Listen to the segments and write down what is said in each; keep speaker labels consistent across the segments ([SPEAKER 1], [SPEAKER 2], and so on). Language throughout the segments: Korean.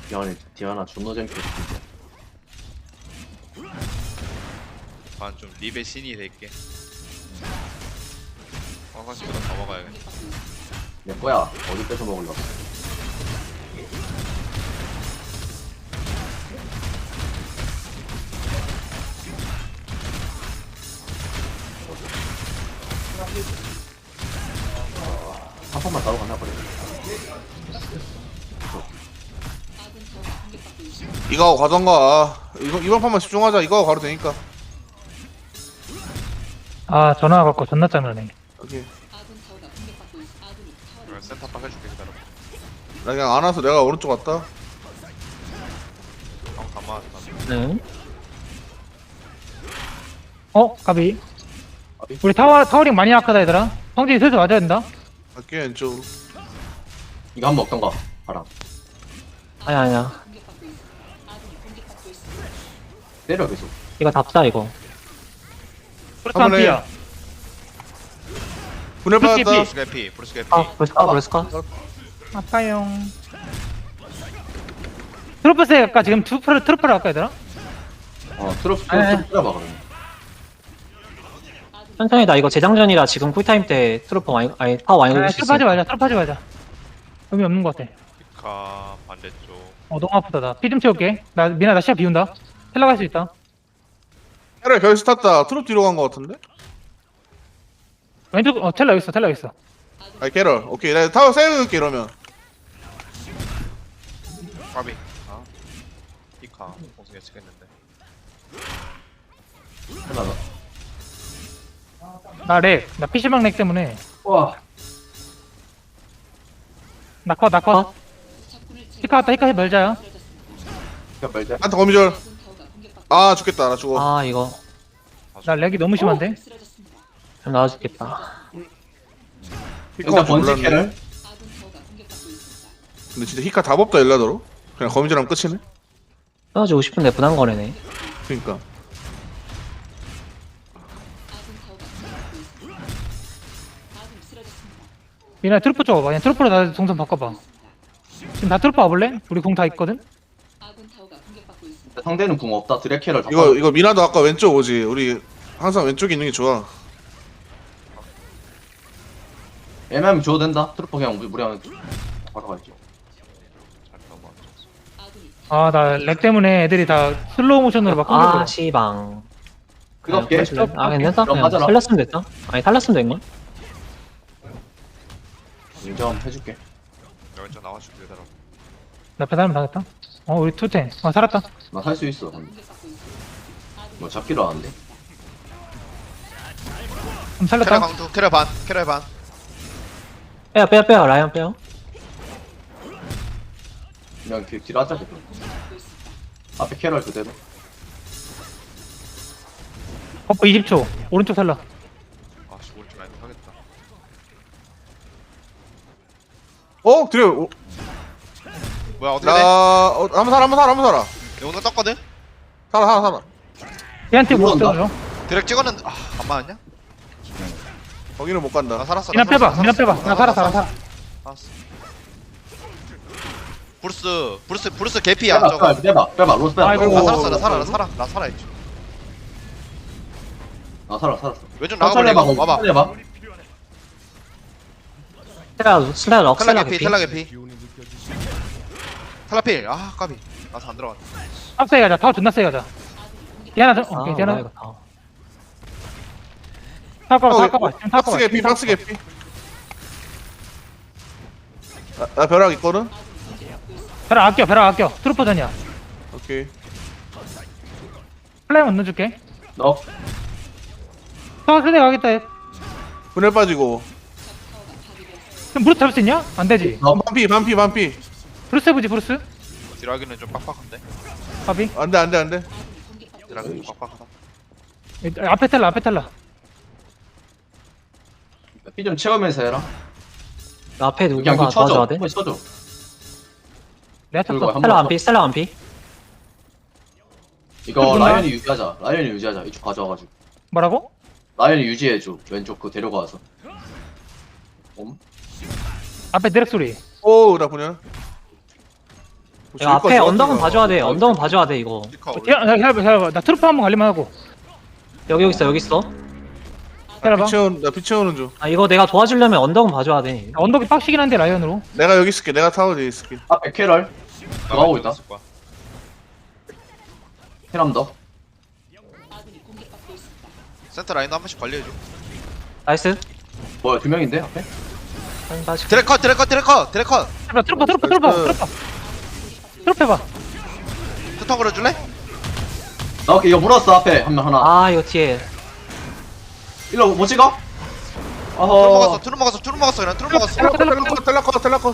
[SPEAKER 1] 디아나 존나 재밌게 했는데.
[SPEAKER 2] 좀 립의 신이 될게. 화장실보다 더 먹어야겠다.
[SPEAKER 1] 내 거야. 어디 뺏어 먹으려고. 한 판만 따로 갔나 버려.
[SPEAKER 3] 이거 하고 가던가. 이번 판만 집중하자. 이거 하고 가도 되니까.
[SPEAKER 4] 아 전화 받고 존나 짜증나네.
[SPEAKER 3] 오케이.
[SPEAKER 2] 내가 센터박 해줄게 기다려.
[SPEAKER 3] 나 그냥 안 와서 내가 오른쪽 왔다.
[SPEAKER 2] 다 맞았다.
[SPEAKER 5] 네.
[SPEAKER 4] 가비. 우리 타워링 많이 약하다 얘들아. 성진이 슬슬 맞아야 된다.
[SPEAKER 3] 갈게 왼쪽으로.
[SPEAKER 1] 이거 한번 먹던가. 봐라.
[SPEAKER 5] 아니야.
[SPEAKER 1] 때려 계속.
[SPEAKER 5] 이거 답사 이거.
[SPEAKER 4] 그렇다 한
[SPEAKER 3] 한번 해.
[SPEAKER 4] 피야.
[SPEAKER 3] 분열
[SPEAKER 4] 그렇게
[SPEAKER 3] 받았다.
[SPEAKER 2] 브루스 개피, 브루스 개피.
[SPEAKER 5] 브레스카.
[SPEAKER 4] 아파용. 트로프스 아까 지금 트로프를 할까 얘들아?
[SPEAKER 1] 트로프
[SPEAKER 4] 에.
[SPEAKER 1] 때려봐 그러면.
[SPEAKER 5] 천천히 나 이거 재장전이라 지금 쿨타임 때 트루퍼 많이 아니 파워 많이 돌릴 수 있어.
[SPEAKER 4] 트로프 하지 말자. 의미 없는 것 같아.
[SPEAKER 2] 피카 반대쪽.
[SPEAKER 4] 너무 아프다 나. 피 좀 채울게. 미나 나 시야 비운다. 텔라 갈 수 있다.
[SPEAKER 3] 헤라 결스 탔다. 트롯 뒤로 간 거 같은데?
[SPEAKER 4] 왼쪽 텔라 여기 있어.
[SPEAKER 3] 아니 캐럴. 오케이. 내가 타워 세울게 이러면.
[SPEAKER 2] 까비. 피카 공승 예측했는데.
[SPEAKER 1] 하나.
[SPEAKER 4] 나 PC방 렉 때문에.
[SPEAKER 1] 와.
[SPEAKER 4] 나 컷. 히카 왔다 히카 멸자야.
[SPEAKER 1] 그냥 말자.
[SPEAKER 3] 한타 거미줄. 아 죽겠다. 나 죽어.
[SPEAKER 5] 아 이거
[SPEAKER 4] 나 렉이 너무 심한데.
[SPEAKER 5] 좀 나와주겠다.
[SPEAKER 1] 일단 번지
[SPEAKER 3] 몰랐네.
[SPEAKER 1] 캐를.
[SPEAKER 3] 근데 진짜 히카 답 없다 일라더로. 그냥 거미줄하면 끝이네.
[SPEAKER 5] 떨어지고 싶은데 부담 거래네.
[SPEAKER 3] 그니까.
[SPEAKER 4] 미나 트루프 쪽 와봐. 그냥 트루프로 나 동선 바꿔봐. 지금 다 트루프 와볼래? 우리 공 다 있거든?
[SPEAKER 1] 상대는 궁 없다. 드랙 캐럴 다.
[SPEAKER 3] 이거 미나도 아까 왼쪽 오지. 우리 항상 왼쪽에 있는 게 좋아.
[SPEAKER 1] 애매하면 줘도 된다. 트루프 그냥 무리하면 바로 갈게.
[SPEAKER 2] 잘 넘어왔어.
[SPEAKER 4] 아 나 렉 때문에 애들이 다 슬로우 모션으로 막 끊겨.
[SPEAKER 5] 아 시방.
[SPEAKER 1] 그거 할게.
[SPEAKER 5] 아 괜찮다.
[SPEAKER 1] 그럼
[SPEAKER 5] 그냥
[SPEAKER 1] 맞아라.
[SPEAKER 5] 살렸으면 됐다. 아니 살렸으면 된걸?
[SPEAKER 1] 인정 해줄게.
[SPEAKER 2] 나 왼쪽 나와줄게 기다려.
[SPEAKER 4] 나 배달면 당했다. 우리 투텐. 살았다.
[SPEAKER 1] 나 살 수 있어. 근데. 뭐 잡기로 하는데.
[SPEAKER 4] 그럼
[SPEAKER 2] 캐럴
[SPEAKER 4] 살렸다.
[SPEAKER 2] 강투, 캐럴 반, 캐럴 반.
[SPEAKER 5] 빼요 라이언 빼요.
[SPEAKER 1] 그냥 뒤로 하자 그럼. 앞에 캐럴 그대로.
[SPEAKER 4] 버프 20초. 오른쪽 살라.
[SPEAKER 2] 아씨 오른쪽 라인 하겠다.
[SPEAKER 3] 그래.
[SPEAKER 2] 뭐야 어떻게 돼?
[SPEAKER 3] 한번 살아.
[SPEAKER 2] 영웅 떴거든?
[SPEAKER 3] 살아.
[SPEAKER 4] 얘한테 못
[SPEAKER 1] 올라온다.
[SPEAKER 4] 써줘.
[SPEAKER 2] 드랙 찍었는데 안 맞았냐?
[SPEAKER 3] 거기는 못 간다.
[SPEAKER 2] 나 살았어.
[SPEAKER 4] 미나 빼봐. 나 살았어.
[SPEAKER 2] 알았어. 브루스 개피야 저거.
[SPEAKER 1] 빼봐. 로스 빼봐.
[SPEAKER 4] 아이고.
[SPEAKER 2] 나
[SPEAKER 3] 오.
[SPEAKER 2] 살았어. 나 살아있지.
[SPEAKER 1] 나 살았어.
[SPEAKER 2] 왼쪽 나가볼래 이거? 와봐.
[SPEAKER 1] 해봐.
[SPEAKER 5] 슬라 럭
[SPEAKER 2] 텔라
[SPEAKER 5] 슬라
[SPEAKER 2] 개피,
[SPEAKER 5] 개피.
[SPEAKER 2] 텔라 개피. 텔라 필. 까비. 나서 안 들어갔네.
[SPEAKER 4] 세게 가자. 타워 존나 세게 가자. 디아나
[SPEAKER 5] 아
[SPEAKER 4] 오케이
[SPEAKER 5] 뭐야
[SPEAKER 4] 디아나.
[SPEAKER 5] 이거.
[SPEAKER 4] 타워 까봐. 지금 타워
[SPEAKER 3] 박스 개피. 나 벼락 있거든?
[SPEAKER 4] 벼락 아껴. 트루퍼전이야.
[SPEAKER 3] 오케이.
[SPEAKER 4] 플레임 넣어줄게.
[SPEAKER 1] 너
[SPEAKER 4] 타워 세게 가겠다.
[SPEAKER 3] 분열 빠지고.
[SPEAKER 4] 그럼 브루스 잡을 수 있냐? 안 되지.
[SPEAKER 3] 반피.
[SPEAKER 4] 브루스 해보지 브루스.
[SPEAKER 2] 딜하기는 좀 빡빡한데.
[SPEAKER 4] 바비.
[SPEAKER 3] 안돼.
[SPEAKER 2] 딜하기는 좀 빡빡하다.
[SPEAKER 4] 앞에 텔라.
[SPEAKER 1] 피 좀 채우면서 해라.
[SPEAKER 5] 앞에
[SPEAKER 1] 그냥
[SPEAKER 5] 누군가
[SPEAKER 1] 그 쳐줘.
[SPEAKER 5] 도와줘야 돼.
[SPEAKER 1] 한번 쳐줘.
[SPEAKER 4] 내가
[SPEAKER 1] 그리고
[SPEAKER 4] 쳤어.
[SPEAKER 1] 한번
[SPEAKER 5] 스텔라 완피.
[SPEAKER 1] 이거
[SPEAKER 4] 그렇구나.
[SPEAKER 1] 라이언이 유지하자. 이쪽 가져와가지고.
[SPEAKER 4] 뭐라고?
[SPEAKER 1] 라이언이 유지해줘. 왼쪽 그 데려가서.
[SPEAKER 4] 앞에 드랙 소리.
[SPEAKER 3] 나 분열.
[SPEAKER 5] 야, 앞에 언덕은 봐줘야 돼. 언덕은 봐줘야 돼, 이거.
[SPEAKER 2] 피카 올려.
[SPEAKER 4] 기다려봐. 나 트루프 한번 갈리만 하고.
[SPEAKER 5] 여기 있어, 여기 있어.
[SPEAKER 4] 기다려봐.
[SPEAKER 3] 나 피치오는 중.
[SPEAKER 5] 아, 이거 내가 도와주려면 언덕은 봐줘야 돼.
[SPEAKER 4] 언덕이 빡시긴 한데 라이언으로.
[SPEAKER 3] 내가 여기 있을게. 내가 타워 뒤에 있을게.
[SPEAKER 1] 앞에 캐럴. 들어가고 있다.
[SPEAKER 2] 있을 거야.
[SPEAKER 1] 캐람더.
[SPEAKER 2] 센터 라인도 한 번씩 관리해줘.
[SPEAKER 5] 나이스.
[SPEAKER 1] 뭐야, 2명인데, 앞에?
[SPEAKER 5] 다시.
[SPEAKER 2] 드래커
[SPEAKER 4] 트루프 해봐.
[SPEAKER 2] 투턴 걸어줄래?
[SPEAKER 1] 나 오케이, 이거 물었어, 앞에. 한 명, 하나.
[SPEAKER 5] 아, 이거 뒤에.
[SPEAKER 1] 일로 못 찍어?
[SPEAKER 2] 트루
[SPEAKER 1] 어허.
[SPEAKER 2] 먹었어 그냥 트루 먹었어.
[SPEAKER 3] 텔라커.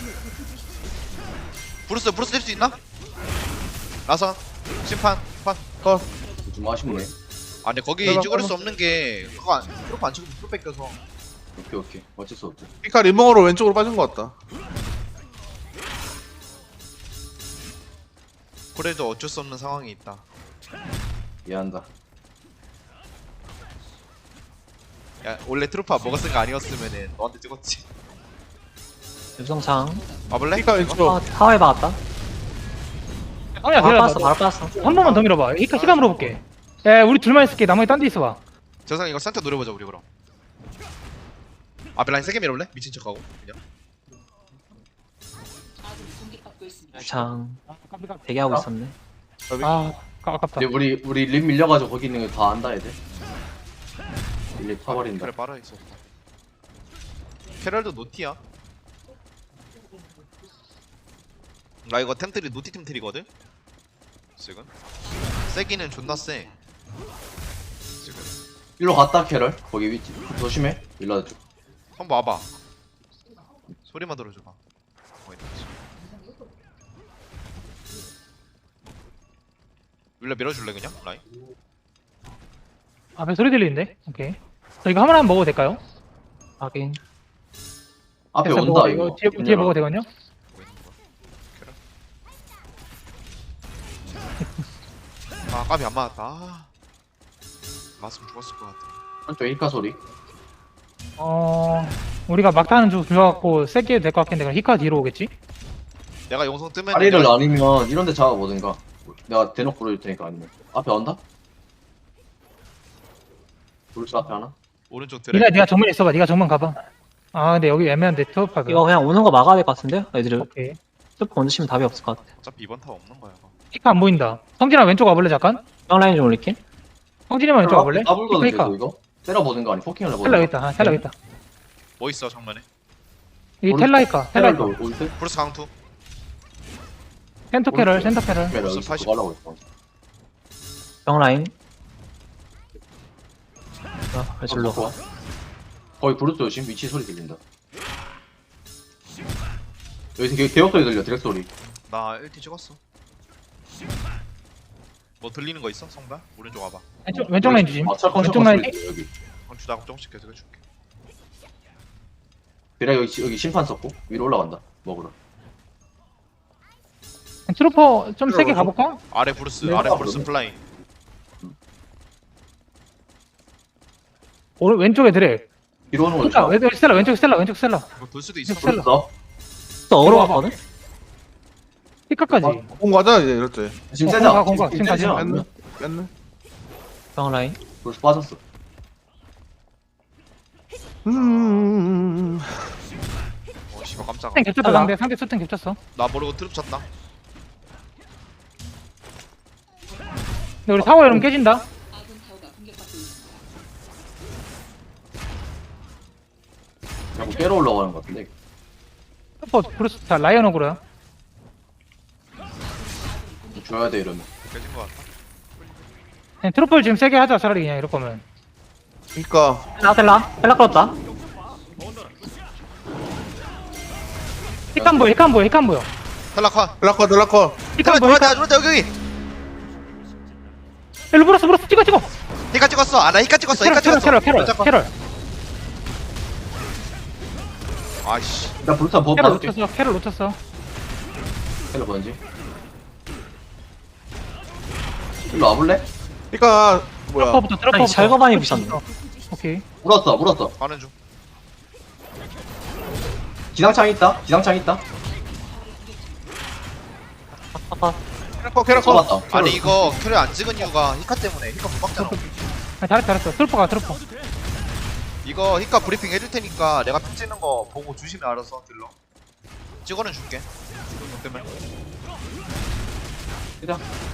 [SPEAKER 2] 브루스 뛸 수 있나? 라선 심판 판.
[SPEAKER 1] 좀 아쉽네.
[SPEAKER 2] 아니 거기
[SPEAKER 3] 내가
[SPEAKER 2] 찍을 수 없는 게 그거 안 트루프 안 치고 트루 뺏겨서.
[SPEAKER 1] 오케이. 어쩔 수 없지.
[SPEAKER 3] 피카 리몽으로 왼쪽으로 빠진 것 같다.
[SPEAKER 2] 그래도 어쩔 수 없는 상황이 있다.
[SPEAKER 1] 이해한다.
[SPEAKER 2] 야 원래 트루프 안 먹었을 거 아니었으면은 너한테 찍었지.
[SPEAKER 5] 유성창.
[SPEAKER 2] 와볼래?
[SPEAKER 3] 피카 왼쪽.
[SPEAKER 5] 타워에 박았다.
[SPEAKER 4] 아니야,
[SPEAKER 5] 바로
[SPEAKER 4] 기다려봐.
[SPEAKER 5] 빠졌어, 바로 빠졌어.
[SPEAKER 4] 한 번만 더 밀어봐. 시간 물어볼게. 야, 우리 둘만 있을게. 나머지 딴 데 있어봐.
[SPEAKER 2] 저상 이거 센터 노려보자 우리 그럼. 앞에 라인 세게 밀어볼래? 미친 척하고 그냥.
[SPEAKER 5] 창. 대기하고 있었네.
[SPEAKER 4] 아, 아깝다.
[SPEAKER 1] 근데 우리 립 밀려가지고 거기 있는 거 다 안다, 애들. 립 타버린다.
[SPEAKER 2] 그래 빨아 있어. 캐럴도 노티야. 나 이거 템트리 노티 템트리거든. 지금 세기는 존나 세. 지금
[SPEAKER 1] 일로 갔다, 캐럴. 거기 위치. 조심해. 일로 와줘.
[SPEAKER 2] 한번 와봐. 소리만 들어줘봐. 뭐 있는지. 윌라 밀어줄래 그냥 라인?
[SPEAKER 4] 앞에 소리 들리는데? 오케이. 저 이거 한번 먹어도 될까요?
[SPEAKER 5] 확인.
[SPEAKER 1] 앞에
[SPEAKER 4] 됐어,
[SPEAKER 1] 온다,
[SPEAKER 4] 먹어.
[SPEAKER 1] 이거.
[SPEAKER 4] 뒤에 먹어도 되거든요?
[SPEAKER 2] 뭐 있는 거야? 캐럴? 아 까비 안 맞았다. 아. 맞으면 죽었을 것 같아.
[SPEAKER 1] 한쪽 일카 소리.
[SPEAKER 4] 우리가 막타는 좀 줄여갖고 세게 해도 될 것 같긴 한데, 그럼 히카 뒤로 오겠지?
[SPEAKER 2] 내가 용성 뜨면
[SPEAKER 1] 다리를 아니면 이런 데 잡아보든가. 내가 대놓고 보여줄 테니까 아니면. 앞에 온다? 불스 앞에 하나?
[SPEAKER 2] 오른쪽 드래.
[SPEAKER 4] 네가 정면 있어봐. 네가 정면 가봐. 아, 근데 여기 애매한데, 트루프가.
[SPEAKER 5] 이거 그냥 오는 거 막아야 될 것 같은데? 애들이.
[SPEAKER 4] 오케이.
[SPEAKER 5] 스프 먼저 치면 답이 없을 것 같아.
[SPEAKER 2] 어차피 이번 타 없는 거야. 이거.
[SPEAKER 4] 히카 안 보인다. 성진아 왼쪽 와볼래, 잠깐?
[SPEAKER 5] 라인 좀 올릴게.
[SPEAKER 4] 성진이만 왼쪽 와볼래?
[SPEAKER 1] 까불거든
[SPEAKER 4] 히카.
[SPEAKER 1] 계속 이거? 때려보든가 아니 포킹을
[SPEAKER 4] 텔라
[SPEAKER 1] 해보든가.
[SPEAKER 4] 있다. 텔라 있다.
[SPEAKER 2] 뭐 있어 정면에?
[SPEAKER 4] 이 텔라이카. 텔라이카.
[SPEAKER 1] 캐럴도 올 때?
[SPEAKER 2] 브루스 강투.
[SPEAKER 4] 센터 캐럴, 센터 캐럴.
[SPEAKER 1] 캐럴 여기
[SPEAKER 2] 80.
[SPEAKER 1] 그거 하려고 했어.
[SPEAKER 5] 병라인. 아, 발줄로.
[SPEAKER 1] 좋아. 거기 브루스 조심. 위치 소리 들린다. 여기서 개업 소리 들려. 드랙 소리.
[SPEAKER 2] 나 1티 찍었어. 뭐 들리는 거 있어? 성발? 오른쪽 와봐.
[SPEAKER 4] 왼쪽 라인 주심.
[SPEAKER 1] 아, 철컹
[SPEAKER 4] 왼쪽
[SPEAKER 1] 철컹
[SPEAKER 4] 라인.
[SPEAKER 1] 소리 들려, 여기.
[SPEAKER 2] 나 조금씩 계속 해줄게.
[SPEAKER 1] 드랙 여기 심판 썼고 위로 올라간다. 먹으러.
[SPEAKER 4] 트루퍼 좀 세게 가볼까?
[SPEAKER 2] 아래 브루스,
[SPEAKER 1] 네,
[SPEAKER 2] 아래
[SPEAKER 1] 아,
[SPEAKER 2] 브루스
[SPEAKER 1] 그러네.
[SPEAKER 2] 플라잉.
[SPEAKER 4] 왼쪽에 드랙.
[SPEAKER 1] 뒤로 오는 거
[SPEAKER 4] 스텔라,
[SPEAKER 1] 좋아.
[SPEAKER 4] 왼쪽 스텔라, 왼쪽 스텔라.
[SPEAKER 2] 이거 돌 수도 있어.
[SPEAKER 4] 셀러.
[SPEAKER 1] 브루스 써.
[SPEAKER 5] 또 얼어왔거든?
[SPEAKER 4] 히카까지.
[SPEAKER 3] 공 가자 이제 이럴 때.
[SPEAKER 1] 지금
[SPEAKER 4] 공각,
[SPEAKER 1] 세자.
[SPEAKER 4] 공각. 지금 가지.
[SPEAKER 3] 뺐네. 뺐네.
[SPEAKER 5] 병라인.
[SPEAKER 1] 브루스 빠졌어.
[SPEAKER 2] 어 씨발 깜짝아.
[SPEAKER 4] 수탱 겹쳤다, 상대 수탱 겹쳤어.
[SPEAKER 2] 나 모르고 트룹 쳤다.
[SPEAKER 4] 근데 우리 타워 이러면 깨진다.
[SPEAKER 1] 자꾸 깨러 올라가는 것 같은데.
[SPEAKER 4] 트루퍼 브루스 다 라이언 오그로야.
[SPEAKER 1] 줘야 돼 이러면.
[SPEAKER 2] 깨진 거 같다.
[SPEAKER 4] 그냥 트루퍼를 지금 세게 하자, 차라리 그냥 이럴 거면.
[SPEAKER 3] 그니까
[SPEAKER 5] 텔라 끌었다.
[SPEAKER 4] 히카 안 보여, 히카 안 보여, 히카 안 보여.
[SPEAKER 2] 탈락화.
[SPEAKER 3] 텔라커.
[SPEAKER 4] 히카 안 보여, 히카.
[SPEAKER 2] 들어왔다 여기.
[SPEAKER 4] 일로 브루스 찍어.
[SPEAKER 2] 히카 찍었어. 아 나 히카 찍었어. 히카 찍었어.
[SPEAKER 4] 캐럴.
[SPEAKER 2] 아이씨.
[SPEAKER 1] 나 브루스 한번
[SPEAKER 4] 캐럴
[SPEAKER 1] 봐줄게.
[SPEAKER 4] 놓쳤어, 캐럴 놓쳤어.
[SPEAKER 1] 캐럴 뭔지. 일로 와볼래?
[SPEAKER 3] 그니까 뭐야.
[SPEAKER 4] 트루퍼부터.
[SPEAKER 5] 아니, 절거반이 부셨네.
[SPEAKER 4] 오케이.
[SPEAKER 1] 물었어.
[SPEAKER 2] 가는 중.
[SPEAKER 1] 기상창 있다.
[SPEAKER 3] 캐럿
[SPEAKER 1] 잡았다.
[SPEAKER 2] 아니 이거 캐리 안 찍은 이유가 히카 때문에. 히카 못 막잖아.
[SPEAKER 4] 아, 잘했어. 트루퍼가 트루퍼.
[SPEAKER 2] 이거 히카 브리핑 해줄 테니까 내가 핀 찍는 거 보고 주시면 알아서 딜러. 찍어는 줄게. 너 때문에.
[SPEAKER 1] 그냥.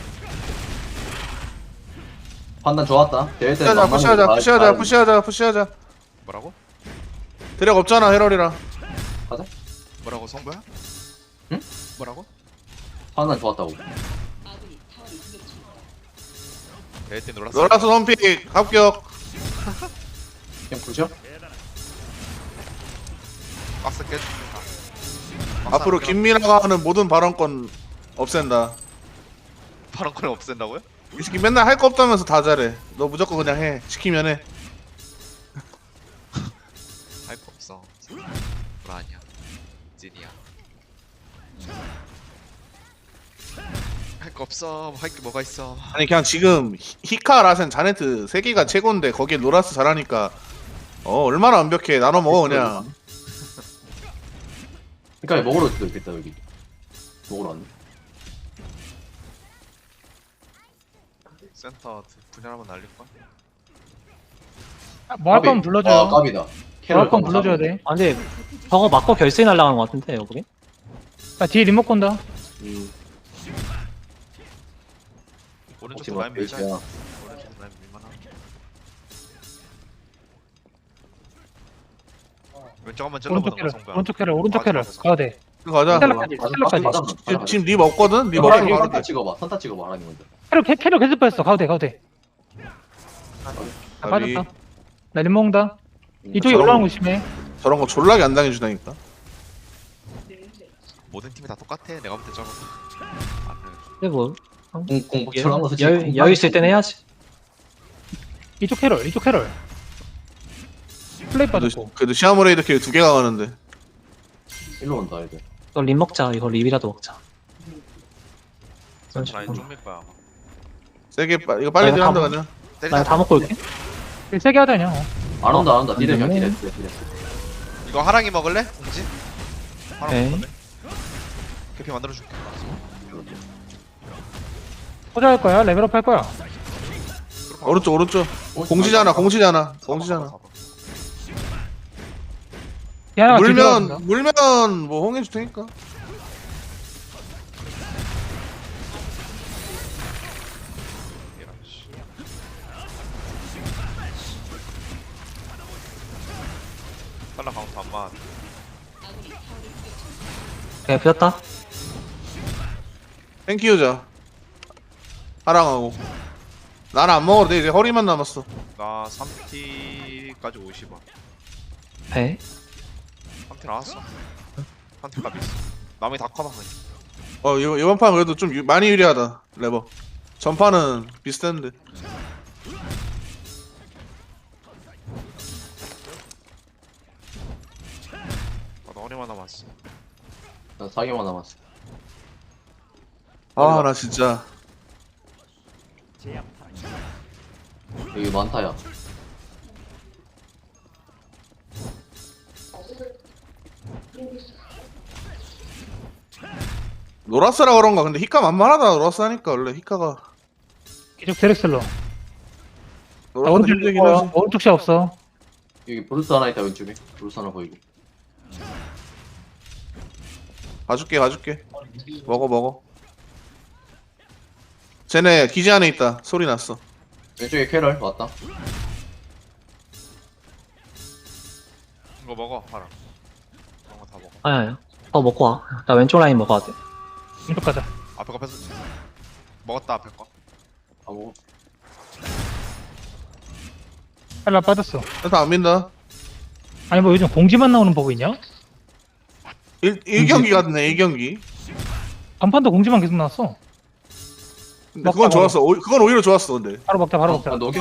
[SPEAKER 1] 판단 좋았다. 대회 때
[SPEAKER 3] 푸시하자.
[SPEAKER 2] 뭐라고?
[SPEAKER 3] 대략 없잖아 헤럴이랑.
[SPEAKER 2] 뭐라고 성부야?
[SPEAKER 1] 응?
[SPEAKER 2] 뭐라고?
[SPEAKER 1] 판단 좋았다고.
[SPEAKER 2] 대회 때 놀았어.
[SPEAKER 3] 노라스 선픽 합격.
[SPEAKER 1] 그냥 부셔?
[SPEAKER 2] 박스 깨줍니다.
[SPEAKER 3] 앞으로 김민아가 하는 모든 발언권 없앤다.
[SPEAKER 2] 발언권을 없앤다고요?
[SPEAKER 3] 이 새끼 맨날 할 거 없다면서 다 잘해. 너 무조건 그냥 해. 시키면 해.
[SPEAKER 2] 할 거 없어. 불안이야. 찐이야. 할 거 없어. 할 게 뭐가 있어.
[SPEAKER 3] 아니 그냥 지금 히카 라센 자네트 세 개가 최고인데 거기에 노라스 잘하니까 얼마나 완벽해. 나눠 먹어 그냥.
[SPEAKER 1] 그러니까 먹으러 수도 있겠다 여기. 먹으러 왔네.
[SPEAKER 2] 센터 분열 한번 날릴 거야.
[SPEAKER 4] 뭐 할 거면 불러줘요.
[SPEAKER 1] 아 깝이다.
[SPEAKER 4] 뭐 할 거면 불러줘야 돼.
[SPEAKER 5] 아 근데 저거 맞고 결승이 날라가는 것 같은데 여기.
[SPEAKER 4] 아, 뒤에 리모컨 다.
[SPEAKER 2] 오른쪽도 라인 밀자.
[SPEAKER 1] 밀자.
[SPEAKER 2] 오른쪽도 라인 밀만하. 왼쪽 한번
[SPEAKER 4] 오른쪽
[SPEAKER 2] 찔러보자.
[SPEAKER 4] 캐럴.
[SPEAKER 2] 성부야.
[SPEAKER 4] 오른쪽 캐럴. 가야 돼.
[SPEAKER 3] 가자.
[SPEAKER 4] 스텔라까지. 스텔라까지.
[SPEAKER 3] 지금 립 없거든? 립 없으면 바로
[SPEAKER 1] 선타
[SPEAKER 3] 돼.
[SPEAKER 1] 찍어봐. 선타 찍어봐. 하라는 건데.
[SPEAKER 4] 캐럴 계속 빠졌어. 가도 돼. 아,
[SPEAKER 3] 아비.
[SPEAKER 4] 빠졌다. 나 림 먹는다. 이쪽에 올라오는 거 심해.
[SPEAKER 3] 저런 거 졸라게 안 당해주다니까.
[SPEAKER 2] 모든 팀이 다 똑같아. 내가 볼 때 저거. 안 돼.
[SPEAKER 5] 근데 뭐
[SPEAKER 1] 공복처럼 거
[SPEAKER 5] 여유 있을 때는 해야지.
[SPEAKER 4] 이쪽 캐럴. 플레이 빠졌고.
[SPEAKER 3] 그래도 시아모레이드 킬 2개가 가는데.
[SPEAKER 1] 일로 온다 애들.
[SPEAKER 5] 이거 립 먹자. 이거 립이라도 먹자.
[SPEAKER 2] 센터 라인 쪽밀 거야. 아마.
[SPEAKER 3] 세게 이거 빨리
[SPEAKER 5] 아, 이거
[SPEAKER 3] 들어간다
[SPEAKER 5] 다
[SPEAKER 3] 그냥.
[SPEAKER 5] 나 다 먹고 올게.
[SPEAKER 4] 세게 하자 그냥.
[SPEAKER 1] 안 온다.
[SPEAKER 5] 안
[SPEAKER 1] 디레
[SPEAKER 5] 되네.
[SPEAKER 1] 디레.
[SPEAKER 2] 이거 하랑이 먹을래? 공지? 하랑
[SPEAKER 5] 오케이.
[SPEAKER 2] 먹을래? 개피 만들어줄게.
[SPEAKER 4] 포자할 거야. 레벨업 할 거야.
[SPEAKER 3] 오른쪽. 공시잖아.
[SPEAKER 4] 디아나가 뒤에 들어간다.
[SPEAKER 3] 물면 뭐 홍해줄 테니까.
[SPEAKER 2] 빨라 카운트 안 맞.
[SPEAKER 5] 그냥 비었다.
[SPEAKER 3] 땡큐자. 하랑하고. 나는 안 먹어도 돼. 이제 허리만 남았어.
[SPEAKER 2] 나 3T까지 50원.
[SPEAKER 5] 배.
[SPEAKER 2] 3T 나왔어. 3T 값 있어. 남이 다 커봐 그냥.
[SPEAKER 3] 이번 판 그래도 좀 많이 유리하다. 레버. 전판은 비슷했는데.
[SPEAKER 2] 나 허리만 남았어.
[SPEAKER 1] 나 4개만 남았어.
[SPEAKER 3] 아, 나 진짜.
[SPEAKER 1] 여기 많다야.
[SPEAKER 3] 노라스라 그런가. 근데 히카 만만하다. 노라스 하니까 원래 히카가.
[SPEAKER 4] 이쪽 드렉슬러. 나
[SPEAKER 3] 노라스
[SPEAKER 4] 오른쪽
[SPEAKER 3] 힘들긴 하지.
[SPEAKER 4] 오른쪽 시 없어.
[SPEAKER 1] 여기 브루스 하나 있다 왼쪽에. 브루스 하나 보이고.
[SPEAKER 3] 가줄게. 먹어. 쟤네 기지 안에 있다. 소리 났어.
[SPEAKER 1] 왼쪽에 캐럴 왔다.
[SPEAKER 2] 이거 먹어 하랑. 그런 거다 먹어.
[SPEAKER 5] 아야. 더 먹고 와. 나 왼쪽 라인 먹어야 돼.
[SPEAKER 4] 이쪽 가자.
[SPEAKER 2] 앞에 거 뺏어. 먹었다 앞에 거.
[SPEAKER 1] 아 뭐.
[SPEAKER 4] 빨라 빠졌어.
[SPEAKER 3] 다 안 민다.
[SPEAKER 4] 아니 뭐 요즘 공지만 나오는 버그 있냐?
[SPEAKER 3] 1경기 같네. 1경기.
[SPEAKER 4] 간판도 공지만 계속 나왔어.
[SPEAKER 3] 근데 그건 좋았어. 그건 오히려 좋았어. 근데.
[SPEAKER 4] 바로 먹자.
[SPEAKER 1] 바로 녹여.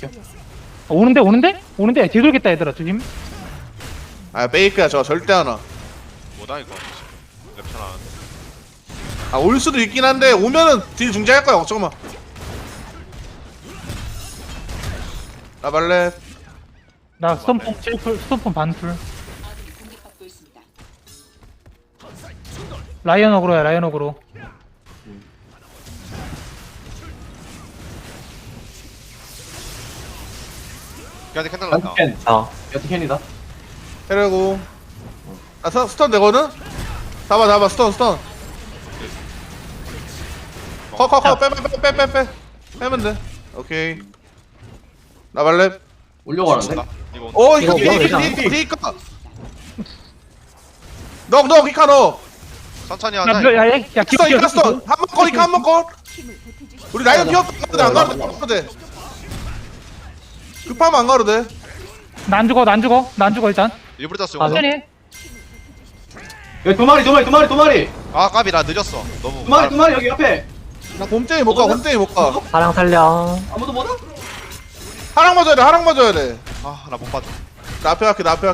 [SPEAKER 4] 오는데 뒤돌겠다 얘들아 조심.
[SPEAKER 3] 아 페이크야. 저 절대 안 와.
[SPEAKER 2] 뭐다 이거. 랩션 하는데.
[SPEAKER 3] 올 수도 있긴 한데 오면은 딜 중지할 거야. 걱정 마. 나 발레.
[SPEAKER 4] 나 스톰폼 7풀 스톰폼 반풀. 라이언 어그로야 라이언 어그로.
[SPEAKER 2] 걔한테 캔 달랐다.
[SPEAKER 1] 연티캔.
[SPEAKER 5] 어.
[SPEAKER 1] 연티캔이다.
[SPEAKER 3] 해려고. 아 스턴 되거든. 잡아 스턴. 커 빼 빼면 돼. 오케이. 나 발랩.
[SPEAKER 1] 올려고 하는데.
[SPEAKER 2] 이거 온다.
[SPEAKER 3] 오
[SPEAKER 5] 이거
[SPEAKER 3] 이거
[SPEAKER 5] 뭐 되지 않아?
[SPEAKER 3] 히카. 너 히카 너.
[SPEAKER 2] 천천히
[SPEAKER 4] 야,
[SPEAKER 2] 하자.
[SPEAKER 4] 야,
[SPEAKER 3] 히카 스턴. 한번 거. 우리 라이언 뛰었거든 안 가도 돼. 급하면 안 가도 돼.
[SPEAKER 4] 난 죽어 일단.
[SPEAKER 2] 일부러 땄어.
[SPEAKER 5] 맞아.
[SPEAKER 2] 이거.
[SPEAKER 4] 천천히.
[SPEAKER 1] 여기 두 마리.
[SPEAKER 2] 아 까비 나 늦었어. 너무.
[SPEAKER 1] 두 마리 여기 옆에.
[SPEAKER 3] 나 곰땡이 못 가.
[SPEAKER 5] 사랑 살려.
[SPEAKER 1] 아무도 못 와?
[SPEAKER 3] 하랑 맞아야 돼.
[SPEAKER 2] 아나 못 봤다.
[SPEAKER 3] 나 앞에 할게.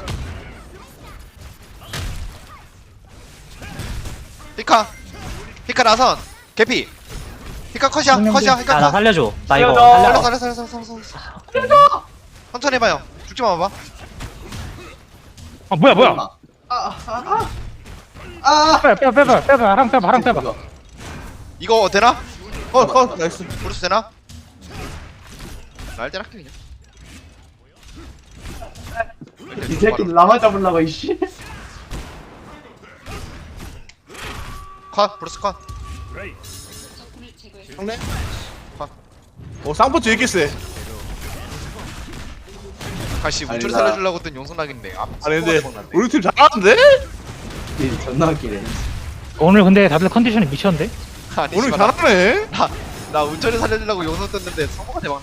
[SPEAKER 2] 히카 나선. 개피. 히카 컷이야. 히카
[SPEAKER 5] 야, 나
[SPEAKER 2] 컷.
[SPEAKER 5] 살려줘. 나 이거
[SPEAKER 1] 살려줘.
[SPEAKER 2] 살려. 천천히 해봐요. 죽지 마 봐봐.
[SPEAKER 4] 아 뭐야.
[SPEAKER 1] 아.
[SPEAKER 4] 빼봐. 하랑 빼봐.
[SPEAKER 2] 이거 되나?
[SPEAKER 3] 나이스.
[SPEAKER 2] 브루스 되나? 날때 할게 그냥.
[SPEAKER 1] 이 새끼 라마 잡으려고 이씨.
[SPEAKER 2] 컷. 브루스 컷.
[SPEAKER 3] 형네. 쌍포 되게 세.
[SPEAKER 2] 가시
[SPEAKER 1] 아니,
[SPEAKER 2] 우주를
[SPEAKER 1] 나-
[SPEAKER 2] 살려주려고 했던 용선락인데.
[SPEAKER 3] 아니 근데 우리 팀 잘하는데?
[SPEAKER 1] 이 존나 웃기네.
[SPEAKER 4] 오늘 근데 다들 컨디션이 미쳤는데?
[SPEAKER 2] 아니
[SPEAKER 3] 오늘
[SPEAKER 2] 씨발,
[SPEAKER 3] 잘하네.
[SPEAKER 2] 나 운전을 살려주려고 용선 떴는데 성공한 대박.